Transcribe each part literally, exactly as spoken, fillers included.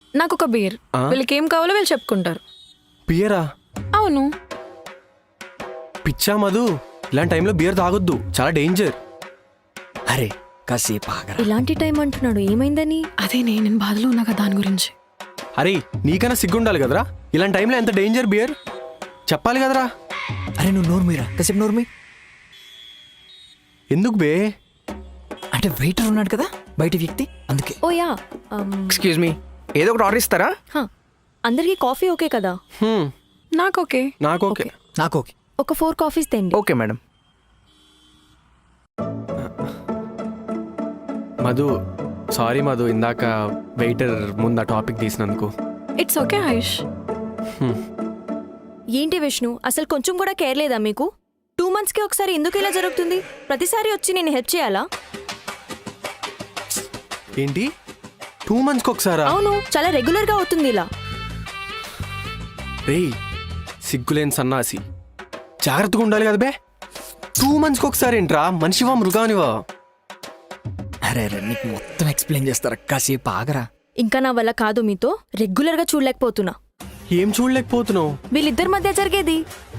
నాకు ఒక బీర్. ఆ? వీళ్ళకి ఏం కావాలో వీళ్ళు చెప్పుకుంటారు. బియరా? అవును. పిచ్చా మధు, ఇలాంటి టైంలో బియర్ తాగొద్దు, చాలా డేంజర్. అరే కాసేపు ఆగరా. ఇలాంటి టైం అంటున్నాడు, ఏమైందని? అదే నేను నేను బాధలో ఉన్నా కదా దాని గురించి. అరే నీకన్నా సిగ్గుండాలి కదరా, ఇలాంటి టైంలో ఎంత డేంజర్ బియర్ చెప్పాలి కదరా. అరే నువ్వు నోరు మీరా, కాసేపు నోరు మీ. ఎందుకు బే? అంటే వెయిటర్ ఉన్నాడు కదా బయట వ్యక్తి, అందుకే. Oh yeah, um, excuse me, ఏదో ఒకటి ఆర్డర్ ఇస్తారా? హా, అందరికీ కాఫీ ఓకే కదా? హ్మ్, నాకు ఓకే. నాకు ఓకే. నాకు ఓకే. ఒక ఫోర్ కాఫీస్ తెండి. Okay madam. Madhu, sorry Madhu, ఇందాక వెయిటర్ ముందు ఆ టాపిక్ తీసినందుకు. It's okay Ayush. ఏంటి విష్ణు, అసలు కొంచెం కూడా కేర్ లేదా మీకు? టూ మంత్స్కి ఒకసారి ఎందుకు ఇలా జరుగుతుంది? ప్రతిసారి వచ్చి నేను హెల్ప్ చేయాలా? ఏంటి టూ మంత్స్కి ఒకసారా? అవును, చాలా రెగ్యులర్గా అవుతుంది ఇలా. రేయ్ సిగ్గులేని సన్నాసి, జాగ్రత్తగా ఉండాలి కదా బే. టూ మంత్స్కి ఒకసారి ఏంట్రా, మనిషివా మృగానివా? అరే అరే నీకు మొత్తం ఎక్స్ప్లెయిన్ చేస్తారా, కాసేపు ఆగరా. ఇంకా నా వల్ల కాదు, మీతో రెగ్యులర్గా చూడలేకపోతున్నా. ఏం చూడలేకపోతున్నావు? వీళ్ళిద్దరి మధ్య జరిగేది.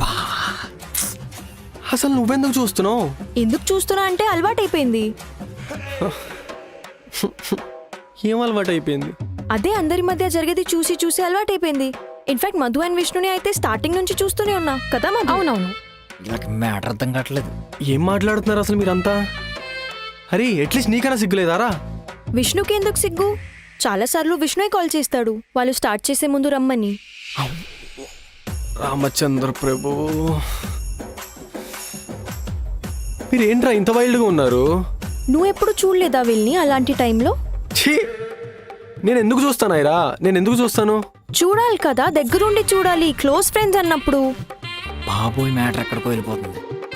అసలు నువ్వెందుకు చూస్తున్నావు? ఎందుకు చూస్తున్నా అంటే అలవాటైపోయింది. ఏం అలవాటు అయిపోయింది? అదే అందరి మధ్య జరిగేది చూసి చూసి అలవాటైపోయింది. ఇన్ఫాక్ట్ మధు అండ్ విష్ణుని అయితే స్టార్టింగ్ నుంచి చూస్తూనే ఉన్నా కదా మధు? అవునవును. నాకు మ్యాటర్ అర్థం కావట్లేదు. ఏం మాట్లాడుతున్నారు అసలు మీరంతా? అరే అట్లీస్ట్ నీకన్నా సిగ్గులేదారా? విష్ణుకి ఎందుకు సిగ్గు? చాలాసార్లు విష్ణుయే కాల్ చేస్తాడు వాళ్ళు స్టార్ట్ చేసే ముందు రమ్మని. రామచంద్ర ప్రభు, మీరేంట్రా ఇంత వైల్డ్గా ఉన్నారు? నువ్వెప్పుడు చూడలేదా వీళ్ళని అలాంటి టైంలో? ఛీ, నేను ఎందుకు చూస్తానాయిరా? నేను ఎందుకు చూస్తాను? చూడాలి కదా, దగ్గరుండి చూడాలి, క్లోజ్ ఫ్రెండ్స్ అన్నప్పుడు. బాబోయ్ మ్యాటర్ ఎక్కడికో వెళ్ళిపోతుంది.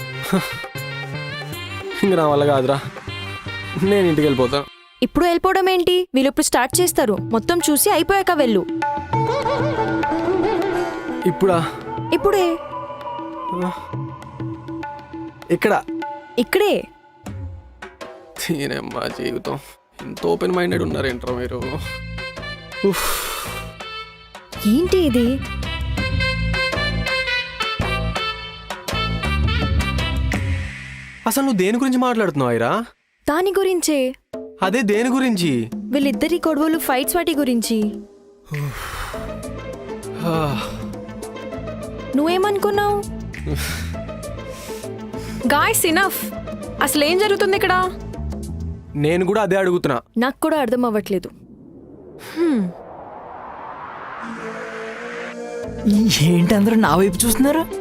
ఇంక నా వల్ల కాదురా, నేను ఇంటికి వెళ్ళిపోతా. ఇప్పుడు వెళ్ళిపోవడం ఏంటి? వీళ్ళు ఇప్పుడు స్టార్ట్ చేస్తారు, మొత్తం చూసి అయిపోయాక వెళ్ళు. ఇప్పుడా? ఇప్పుడే. ఇక్కడ ఇక్కడే. తీనమ్మా జీవితం, ఎంత ఓపెన్ మైండెడ్ ఉన్నారేంట్రా మీరు? ఉఫ్. ఏంటి ఇది? అసలు నువ్వు దేని గురించి మాట్లాడుతున్నావు ఐరా? దాని గురించే. అదే దేని గురించి? వీళ్ళిద్దరి గొడవలు, ఫైట్స్, వాటి గురించి. ఆ, నువ్వేమనుకున్నావు? Guys enough. అసలు ఏం జరుగుతుంది ఇక్కడ? నేను కూడా అదే అడుగుతున్నా. నాకు కూడా అర్థం అవ్వట్లేదు. ఏంటి అందరూ నా వైపు చూస్తున్నారు?